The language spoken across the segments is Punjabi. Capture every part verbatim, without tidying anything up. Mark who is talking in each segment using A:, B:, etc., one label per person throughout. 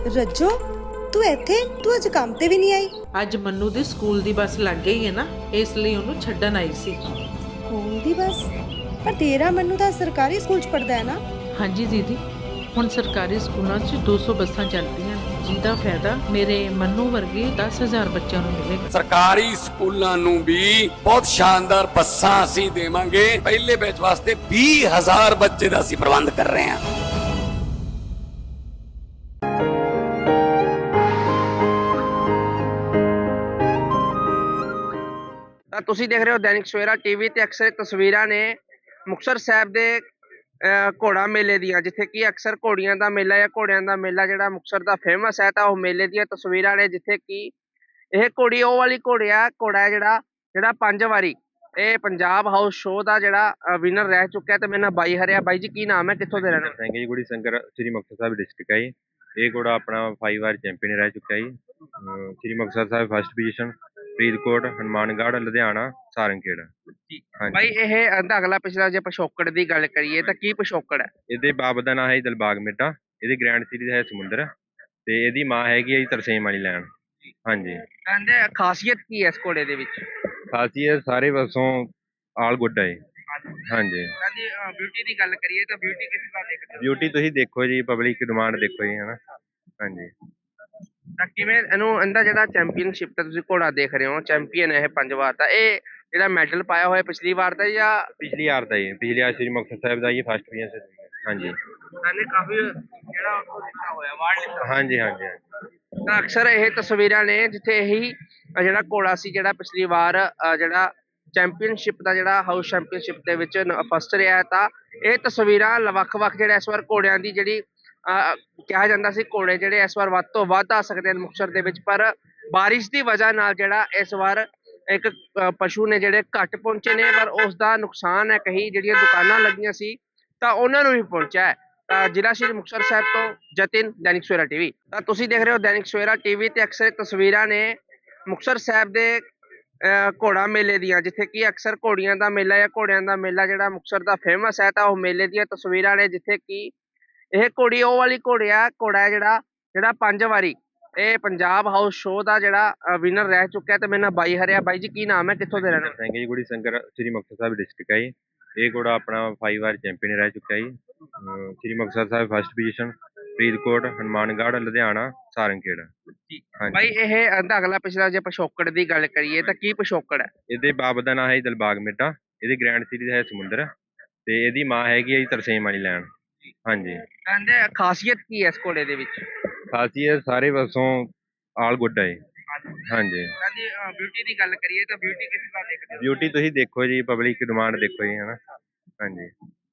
A: ਰੱਜੋ ਤੂੰ ਇੱਥੇ ਤੂੰ ਅੱਜ ਕੰਮ ਤੇ ਵੀ ਨਹੀਂ ਆਈ।
B: ਅੱਜ ਮੰਨੂ ਦੀ ਸਕੂਲ ਦੀ ਬੱਸ ਲੱਗ ਗਈ ਹੈ ਨਾ, ਇਸ ਲਈ ਉਹਨੂੰ ਛੱਡਣ ਆਈ ਸੀ।
A: ਸਕੂਲ ਦੀ ਬੱਸ? ਪਰ ਤੇਰਾ ਮੰਨੂ ਤਾਂ ਸਰਕਾਰੀ ਸਕੂਲ ਚ ਪੜਦਾ ਹੈ ਨਾ।
B: ਹਾਂਜੀ ਦੀਦੀ, ਹੁਣ ਸਰਕਾਰੀ ਸਕੂਲਾਂ 'ਚ ਦੋ ਸੌ ਬੱਸਾਂ ਚੱਲਦੀਆਂ ਨੇ, ਜਿਹਦਾ ਫਾਇਦਾ ਮੇਰੇ ਮੰਨੂ ਵਰਗੇ ਦਸ ਹਜ਼ਾਰ ਬੱਚਿਆਂ ਨੂੰ ਮਿਲੇਗਾ।
C: ਸਰਕਾਰੀ ਸਕੂਲਾਂ ਨੂੰ ਵੀ ਬਹੁਤ ਸ਼ਾਨਦਾਰ ਬੱਸਾਂ ਅਸੀਂ ਦੇਵਾਂਗੇ। ਪਹਿਲੇ ਬੈਚ ਵਾਸਤੇ ਵੀਹ ਹਜ਼ਾਰ ਬੱਚੇ ਦਾ ਅਸੀਂ ਪ੍ਰਬੰਧ ਕਰ ਰਹੇ ਹਾਂ।
D: ਤਾਂ ਤੁਸੀਂ ਦੇਖ ਰਹੇ ਹੋ ਦੈਨਿਕ ਸਵੇਰਾ ਟੀਵੀ ਤੇ ਅਕਸਰ ਤਸਵੀਰਾਂ ਨੇ ਮੁਕਤਸਰ ਸਾਹਿਬ ਦੇ ਘੋੜਾ ਮੇਲੇ ਦੀਆਂ, ਜਿੱਥੇ ਕਿ ਅਕਸਰ ਘੋੜੀਆਂ ਦਾ ਮੇਲਾ ਜਾਂ ਘੋੜਿਆਂ ਦਾ ਮੇਲਾ ਜਿਹੜਾ ਮੁਕਤਸਰ ਦਾ ਫੇਮਸ ਹੈ, ਤਾਂ ਉਹ ਮੇਲੇ ਦੀਆਂ ਤਸਵੀਰਾਂ ਨੇ, ਜਿੱਥੇ ਕਿ ਇਹ ਘੋੜੀ ਉਹ ਵਾਲੀ ਘੋੜੀ ਆ ਘੋੜਾ ਹੈ ਜਿਹੜਾ ਜਿਹੜਾ ਪੰਜ ਵਾਰੀ ਇਹ ਪੰਜਾਬ ਹਾਊਸ ਸ਼ੋਅ ਦਾ ਜਿਹੜਾ ਵਿਨਰ ਰਹਿ ਚੁੱਕਿਆ। ਤੇ ਮੇਰੇ ਨਾਲ ਬਾਈ ਹਰਿਆ। ਬਾਈ ਜੀ ਕੀ ਨਾਮ ਹੈ, ਕਿੱਥੋਂ ਦੇ ਰਹਿਣਾ?
E: ਸਿੰਘ ਜੀ ਗੁੜੀ ਸੰਗਰ ਸ੍ਰੀ ਮੁਕਤਸਰ ਸਾਹਿਬ ਡਿਸਟ੍ਰਿਕਟ ਹੈ ਜੀ। ਇਹ ਘੋੜਾ ਆਪਣਾ ਫਾਈਵ ਵਾਰ ਚੈਂਪੀਅਨ ਰਹਿ ਚੁੱਕਾ ਜੀ। Shri Muktsar Sahib first position, Faridkot, Hanumangarh, Ludhiana, Sarangkhera.
D: ਬਾਈ ਇਹ ਇਹਦਾ ਅਗਲਾ ਪਿਛਲਾ ਜੇ ਪਿਛੋਕੜ ਦੀ ਗੱਲ ਕਰੀਏ ਤਾਂ ਕੀ ਪਿਛੋਕੜ ਹੈ?
E: ਇਹਦੇ ਬਾਪ ਦਾ ਨਾਂ ਹੈ ਦਿਲਬਾਗ ਮੇਟਾ। ਇਹਦੀ ਗ੍ਰੈਂਡ ਸੀਰੀਜ਼ ਹੈ ਸਮੁੰਦਰ, ਤੇ ਇਹਦੀ ਮਾਂ ਹੈਗੀ ਹੈ ਜੀ ਤਰਸੇਮ ਵਾਲੀ ਲੈਣ। ਹਾਂਜੀ,
D: ਕਹਿੰਦੇ ਖਾਸੀਅਤ ਕੀ ਹੈ ਇਸ ਘੋੜੇ ਦੇ ਵਿੱਚ?
E: ਖਾਸੀਅਤ ਸਾਰੇ ਪਾਸੋਂ ਆਲ ਗੁੱਡ ਹੈ। ਹਾਂਜੀ,
D: ਕਹਿੰਦੇ ਬਿਊਟੀ ਦੀ ਗੱਲ ਕਰੀਏ ਤਾਂ ਬਿਊਟੀ ਕਿਸ ਤਰ੍ਹਾਂ ਦੇਖਦੇ ਹੋ?
E: ਬਿਊਟੀ ਤੁਸੀਂ ਦੇਖੋ ਜੀ, ਪਬਲਿਕ ਡਿਮਾਂਡ ਦੇਖੋ ਜੀ, ਹਨਾ। ਹਾਂਜੀ,
D: ਤਾਂ ਕਿਵੇਂ ਇਹਨੂੰ ਇਹਦਾ ਜਿਹੜਾ ਚੈਂਪੀਅਨਸ਼ਿਪ ਤੇ ਤੁਸੀਂ ਘੋੜਾ ਦੇਖ ਰਹੇ ਹੋ, ਚੈਂਪੀਅਨ ਹੈ ਇਹ ਪੰਜ ਵਾਰ ਦਾ, ਇਹ ਜਿਹੜਾ ਮੈਡਲ ਪਾਇਆ ਹੋਇਆ ਪਿਛਲੀ ਵਾਰ ਦਾ ਜਾਂ
E: ਪਿਛਲੀ ਵਾਰ ਦਾ ਜੀ? ਪਿਛਲੀ ਵਾਰ ਸ੍ਰੀ ਮੁਕਤਸਰ ਸਾਹਿਬ ਦਾ ਜੀ ਫਸਟ ਪੋਜੀਸ਼ਨ। ਹਾਂਜੀ,
D: ਇਹਨੇ ਕਾਫੀ ਜਿਹੜਾ ਉਹ ਲਿਖਿਆ ਹੋਇਆ ਅਵਾਰਡ ਲਿਖਿਆ ਹੋਇਆ।
E: ਹਾਂਜੀ, ਹਾਂਜੀ, ਹਾਂਜੀ।
D: ਤਾਂ ਅਕਸਰ ਇਹ ਤਸਵੀਰਾਂ ਨੇ ਜਿੱਥੇ ਇਹੀ ਜਿਹੜਾ ਘੋੜਾ ਸੀ ਜਿਹੜਾ ਪਿਛਲੀ ਵਾਰ ਜਿਹੜਾ ਚੈਂਪੀਅਨਸ਼ਿਪ ਦਾ ਜਿਹੜਾ ਹਾਊਸ ਚੈਂਪੀਅਨਸ਼ਿਪ ਦੇ ਵਿੱਚ ਫਸਟ ਰਿਹਾ। ਤਾਂ ਇਹ ਤਸਵੀਰਾਂ ਵੱਖ-ਵੱਖ ਜਿਹੜੇ ਇਸ ਵਾਰ ਘੋੜਿਆਂ ਦੀ ਜਿਹੜੀ ਕਿਹਾ ਜਾਂਦਾ ਸੀ ਘੋੜੇ ਜਿਹੜੇ ਇਸ ਵਾਰ ਵੱਧ ਤੋਂ ਵੱਧ ਆ ਸਕਦੇ ਨੇ ਮੁਕਤਸਰ ਦੇ ਵਿੱਚ, ਪਰ ਬਾਰਿਸ਼ ਦੀ ਵਜ੍ਹਾ ਨਾਲ ਜਿਹੜਾ ਇਸ ਵਾਰ ਇੱਕ ਪਸ਼ੂ ਨੇ ਜਿਹੜੇ ਘੱਟ ਪਹੁੰਚੇ ਨੇ, ਪਰ ਉਸ ਦਾ ਨੁਕਸਾਨ ਹੈ ਕਹੀ ਜਿਹੜੀਆਂ ਦੁਕਾਨਾਂ ਲੱਗੀਆਂ ਸੀ ਤਾਂ ਉਹਨਾਂ ਨੂੰ ਵੀ ਪਹੁੰਚਿਆ ਹੈ। ਤਾਂ ਜ਼ਿਲ੍ਹਾ ਸ਼੍ਰੀ ਮੁਕਤਸਰ ਸਾਹਿਬ ਤੋਂ ਜਤਿਨ, ਦੈਨਿਕ ਸਵੇਰਾ ਟੀਵੀ। ਤਾਂ ਤੁਸੀਂ ਦੇਖ ਰਹੇ ਹੋ ਦੈਨਿਕ ਸਵੇਰਾ ਟੀਵੀ ਤੇ ਅਕਸਰ ਤਸਵੀਰਾਂ ਨੇ ਮੁਕਤਸਰ ਸਾਹਿਬ ਦੇ ਘੋੜਾ ਮੇਲੇ ਦੀਆਂ, ਜਿੱਥੇ ਕਿ ਅਕਸਰ ਘੋੜੀਆਂ ਦਾ ਮੇਲਾ ਜਾਂ ਘੋੜਿਆਂ ਦਾ ਮੇਲਾ ਜਿਹੜਾ ਮੁਕਤਸਰ ਦਾ ਫੇਮਸ ਹੈ, ਤਾਂ ਉਹ ਮੇਲੇ ਦੀਆਂ ਤਸਵੀਰਾਂ ਨੇ, ਜਿੱਥੇ ਕਿ ਇਹ ਘੋੜੀ ਉਹ ਵਾਲੀ ਘੋੜੀ ਆ ਘੋੜਾ ਹੈ ਜਿਹੜਾ ਜਿਹੜਾ ਪੰਜ ਵਾਰੀ ਇਹ ਪੰਜਾਬ ਹਾਊਸ ਸ਼ੋਅ ਦਾ ਜਿਹੜਾ ਵਿਨਰ ਰਹਿ ਚੁੱਕਿਆ। ਤੇ ਮੇਰੇ ਨਾਲ ਬਾਈ ਹਰਿਆ। ਬਾਈ ਜੀ ਕੀ ਨਾਮ ਹੈ, ਕਿੱਥੋਂ ਦੇ ਰਹਿਣਾ?
E: ਸਿੰਘ ਜੀ ਗੁੜੀ ਸੰਗਰ ਸ੍ਰੀ ਮੁਕਤਸਰ ਸਾਹਿਬ ਡਿਸਟ੍ਰਿਕਟ ਹੈ ਜੀ। ਇਹ ਘੋੜਾ ਆਪਣਾ ਫਾਈਵ ਵਾਰ ਚੈਂਪੀਅਨ ਰਹਿ ਚੁੱਕਾ ਜੀ। Shri Muktsar Sahib first position, Faridkot, Hanumangarh, Ludhiana, Sarangkhera.
D: ਬਾਈ ਇਹ ਇਹਦਾ ਅਗਲਾ ਪਿਛਲਾ ਜੇ ਪਿਛੋਕੜ ਦੀ ਗੱਲ ਕਰੀਏ ਤਾਂ ਕੀ ਪਿਛੋਕੜ ਹੈ?
E: ਇਹਦੇ ਬਾਪ ਦਾ ਨਾਂ ਹੈ ਦਿਲਬਾਗ ਮੇਟਾ। ਇਹਦੀ ਗ੍ਰੈਂਡ ਸੀਰੀਜ਼ ਹੈ ਸਮੁੰਦਰ, ਤੇ ਇਹਦੀ ਮਾਂ ਹੈਗੀ ਹੈ ਜੀ ਤਰਸੇਮ ਵਾਲੀ ਲੈਣ। ਹਾਂਜੀ,
D: ਕਹਿੰਦੇ ਖਾਸੀਅਤ ਕੀ ਹੈ ਇਸ ਘੋੜੇ ਦੇ ਵਿੱਚ?
E: ਖਾਸੀਅਤ ਸਾਰੇ ਪਾਸੋਂ ਆਲ ਗੁੱਡ ਹੈ। ਹਾਂਜੀ,
D: ਕਹਿੰਦੇ ਬਿਊਟੀ ਦੀ ਗੱਲ ਕਰੀਏ ਤਾਂ ਬਿਊਟੀ ਕਿਸ ਤਰ੍ਹਾਂ ਦੇਖਦੇ ਹੋ?
E: ਬਿਊਟੀ ਤੁਸੀਂ ਦੇਖੋ ਜੀ, ਪਬਲਿਕ ਡਿਮਾਂਡ ਦੇਖੋ ਜੀ, ਹਨਾ। ਹਾਂਜੀ,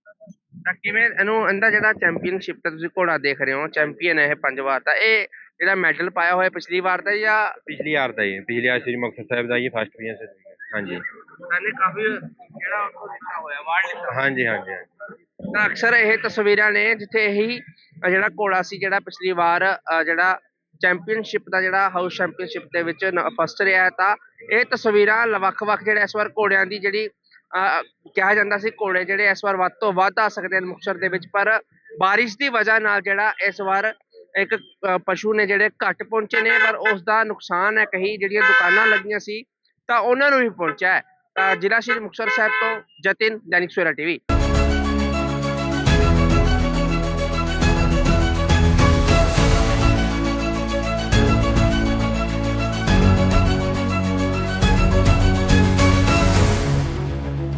D: ਤਾਂ ਕਿਵੇਂ ਇਹਨੂੰ ਇਹਦਾ ਜਿਹੜਾ ਚੈਂਪੀਅਨਸ਼ਿਪ ਤੇ ਤੁਸੀਂ ਘੋੜਾ ਦੇਖ ਰਹੇ ਹੋ, ਚੈਂਪੀਅਨ ਹੈ ਇਹ ਪੰਜ ਵਾਰ ਦਾ, ਇਹ ਜਿਹੜਾ ਮੈਡਲ ਪਾਇਆ ਹੋਇਆ ਪਿਛਲੀ ਵਾਰ ਦਾ ਜਾਂ
E: ਪਿਛਲੀ ਵਾਰ ਦਾ ਜੀ? ਪਿਛਲੀ ਵਾਰ ਸ੍ਰੀ ਮੁਕਤਸਰ ਸਾਹਿਬ ਦਾ ਜੀ ਫਸਟ ਪੋਜੀਸ਼ਨ। ਹਾਂਜੀ,
D: ਇਹਨੇ ਕਾਫੀ ਜਿਹੜਾ ਉਹ ਲਿਖਿਆ ਹੋਇਆ ਅਵਾਰਡ ਲਿਖਿਆ ਹੋਇਆ।
E: ਹਾਂਜੀ, ਹਾਂਜੀ, ਹਾਂਜੀ।
D: ਤਾਂ ਅਕਸਰ ਇਹ ਤਸਵੀਰਾਂ ਨੇ ਜਿੱਥੇ ਇਹੀ ਜਿਹੜਾ ਘੋੜਾ ਸੀ ਜਿਹੜਾ ਪਿਛਲੀ ਵਾਰ ਜਿਹੜਾ ਚੈਂਪੀਅਨਸ਼ਿਪ ਦਾ ਜਿਹੜਾ ਹਾਊਸ ਚੈਂਪੀਅਨਸ਼ਿਪ ਦੇ ਵਿੱਚ ਫਸਟ ਰਿਹਾ। ਤਾਂ ਇਹ ਤਸਵੀਰਾਂ ਵੱਖ-ਵੱਖ ਜਿਹੜੇ ਇਸ ਵਾਰ ਘੋੜਿਆਂ ਦੀ ਜਿਹੜੀ ਕਿਹਾ ਜਾਂਦਾ ਸੀ ਘੋੜੇ ਜਿਹੜੇ ਇਸ ਵਾਰ ਵੱਧ ਤੋਂ ਵੱਧ ਆ ਸਕਦੇ ਨੇ ਮੁਕਤਸਰ ਦੇ ਵਿੱਚ, ਪਰ ਬਾਰਿਸ਼ ਦੀ ਵਜ੍ਹਾ ਨਾਲ ਜਿਹੜਾ ਇਸ ਵਾਰ ਇੱਕ ਪਸ਼ੂ ਨੇ ਜਿਹੜੇ ਘੱਟ ਪਹੁੰਚੇ ਨੇ, ਪਰ ਉਸ ਦਾ ਨੁਕਸਾਨ ਹੈ ਕਹੀ ਜਿਹੜੀਆਂ ਦੁਕਾਨਾਂ ਲੱਗੀਆਂ ਸੀ ਤਾਂ ਉਹਨਾਂ ਨੂੰ ਵੀ ਪਹੁੰਚਿਆ ਹੈ। ਤਾਂ ਜ਼ਿਲ੍ਹਾ ਸ਼੍ਰੀ ਮੁਕਤਸਰ ਸਾਹਿਬ ਤੋਂ ਜਤਿਨ, ਦੈਨਿਕ ਸਵੇਰਾ ਟੀਵੀ।